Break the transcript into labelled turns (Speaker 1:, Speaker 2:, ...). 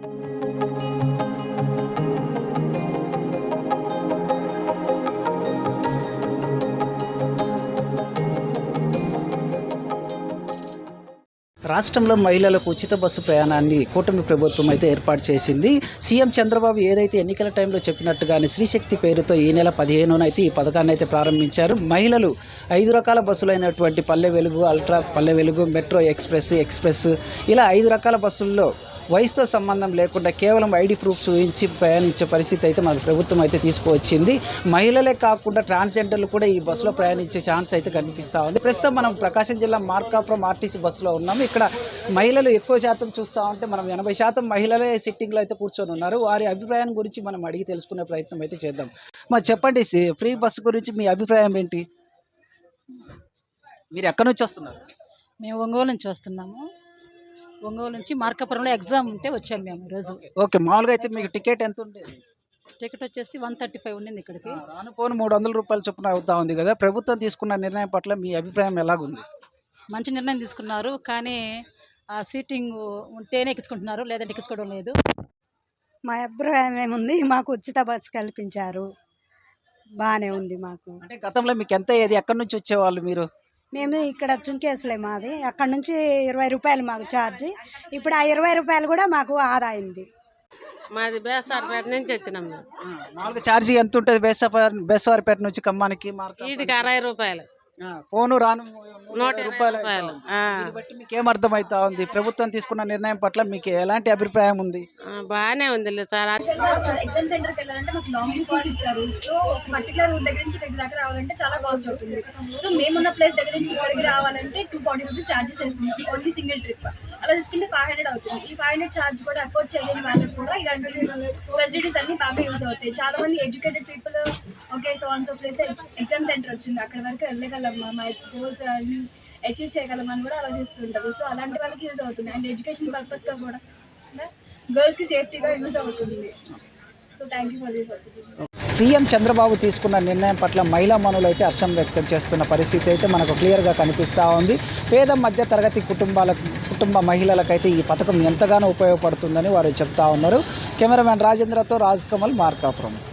Speaker 1: రాష్ట్రంలో మహిళలకు ఉచిత బస్సు ప్రయాణాన్ని కూటమి ప్రభుత్వం అయితే ఏర్పాటు చేసింది. సీఎం చంద్రబాబు ఏదైతే ఎన్నికల టైంలో చెప్పినట్టుగానే శ్రీశక్తి పేరుతో ఈ నెల 15న అయితే ఈ పథకాన్ని అయితే ప్రారంభించారు. మహిళలు 5 రకాల బస్సులైనటువంటి పల్లె వెలుగు, అల్ట్రా పల్లె వెలుగు, మెట్రో ఎక్స్ప్రెస్ ఇలా 5 రకాల బస్సుల్లో వయసుతో సంబంధం లేకుండా కేవలం ఐడి ప్రూఫ్ చూపించి ప్రయాణించే పరిస్థితి అయితే మన ప్రభుత్వం అయితే తీసుకువచ్చింది. మహిళలే కాకుండా ట్రాన్స్జెండర్లు కూడా ఈ బస్సులో ప్రయాణించే ఛాన్స్ అయితే కనిపిస్తూ ఉంది. ప్రస్తుతం మనం ప్రకాశం జిల్లా మార్కాపురం ఆర్టీసీ బస్సులో ఉన్నాము. ఇక్కడ మహిళలు ఎక్కువ శాతం చూస్తూ ఉంటే మనం 80% మహిళలే సిట్టింగ్లో అయితే కూర్చొని ఉన్నారు. వారి అభిప్రాయం గురించి మనం అడిగి తెలుసుకునే ప్రయత్నం అయితే చేద్దాం. మరి చెప్పండి, ఫ్రీ బస్సు గురించి మీ అభిప్రాయం ఏంటి? మీరు ఎక్కడి నుంచి వస్తున్నారు?
Speaker 2: మేము ఒంగోలు నుంచి వస్తున్నాము. ఒంగోలు నుంచి మార్కాపురంలో ఎగ్జామ్ ఉంటే వచ్చాము మేము ఈరోజు.
Speaker 1: ఓకే, మామూలుగా అయితే మీకు టికెట్ ఎంత ఉండేది?
Speaker 2: టికెట్ వచ్చేసి 135 ఉండింది. ఇక్కడికి
Speaker 1: రానుపోను 300 రూపాయల చొప్పున అవుతా ఉంది కదా. ప్రభుత్వం తీసుకున్న నిర్ణయం పట్ల మీ అభిప్రాయం ఎలాగుంది?
Speaker 2: మంచి నిర్ణయం తీసుకున్నారు, కానీ ఆ సీటింగ్ ఉంటేనే ఎక్కించుకుంటున్నారు, లేదంటే ఎక్కించుకోవడం లేదు.
Speaker 3: మా అభిప్రాయం ఏముంది, మాకు ఉచిత బస్సు కల్పించారు, బాగానే ఉంది మాకు.
Speaker 1: అంటే గతంలో మీకు ఎంత ఏది, ఎక్కడి నుంచి వచ్చేవాళ్ళు మీరు?
Speaker 3: మేము ఇక్కడ చుంకేసులే మాది, అక్కడ నుంచి 20 రూపాయలు మాకు ఛార్జ్. ఇప్పుడు ఆ 20 రూపాయలు కూడా మాకు ఆదా అయింది.
Speaker 4: మాది బేస్తారపేట నుంచి వచ్చినాం.
Speaker 1: మామూలుగా ఛార్జీ ఎంత ఉంటుంది బేస్తవారిపేట నుంచి ఖమ్మానికి?
Speaker 4: వీటికి 60 రూపాయలు,
Speaker 1: పోను రాను
Speaker 4: 120 రూపాయలు.
Speaker 1: దీన్ని బట్టి మీకు ఏం అర్థమవుతా ఉంది? ప్రభుత్వం తీసుకున్న నిర్ణయం పట్ల మీకు ఎలాంటి అభిప్రాయం ఉంది?
Speaker 4: బాగానే ఉంది సార్.
Speaker 5: ఎగ్జామ్ సెంటర్కి వెళ్ళాలంటే మాకు లాంగ్ డిస్టెన్స్ ఇచ్చారు. సో పర్టికులర్ రూట్ దగ్గర నుంచి ఇక్కడి దాకా రావాలంటే చాలా కాస్ట్ అవుతుంది. సో మేమున్న ప్లేస్ దగ్గర నుంచి ఇక్కడికి రావాలంటే 240 రూపీస్ ఛార్జెస్ చేస్తుంది ఓన్లీ సింగిల్ ట్రిప్. అలా చూసుకుంటే 500 అవుతుంది. ఈ 500 ఛార్జ్ కూడా అఫోర్డ్ చేయలేని వాళ్ళకి కూడా ఇలాంటి ఫెసిలిటీస్ అన్ని బాగా యూజ్ అవుతాయి. చాలా మంది educated people okay so and so place exam centre వచ్చింది, అక్కడ వరకు వెళ్ళగలం, మా గోల్స్ అన్ని అచీవ్ చేయగలమని కూడా ఆలోచిస్తుంటారు. సో అలాంటి వాళ్ళకి యూజ్ అవుతుంది. అండ్ ఎడ్యుకేషన్ పర్పస్గా కూడా గర్ల్స్కి సేఫ్టీగా యూజ్ అవుతుంది. So thank you for this opportunity.
Speaker 1: CM Chandrababu తీసుకున్న నిర్ణయం పట్ల మహిళా మనులు అయితే హర్షం వ్యక్తం చేస్తున్న పరిస్థితి అయితే మనకు క్లియర్గా కనిపిస్తూ ఉంది. పేద మధ్య తరగతి కుటుంబ మహిళలకైతే ఈ పథకం ఎంతగానో ఉపయోగపడుతుందని వారు చెప్తా ఉన్నారు. కెమెరామ్యాన్ రాజేంద్రతో రాజ్ కమల్, మార్కాపురం.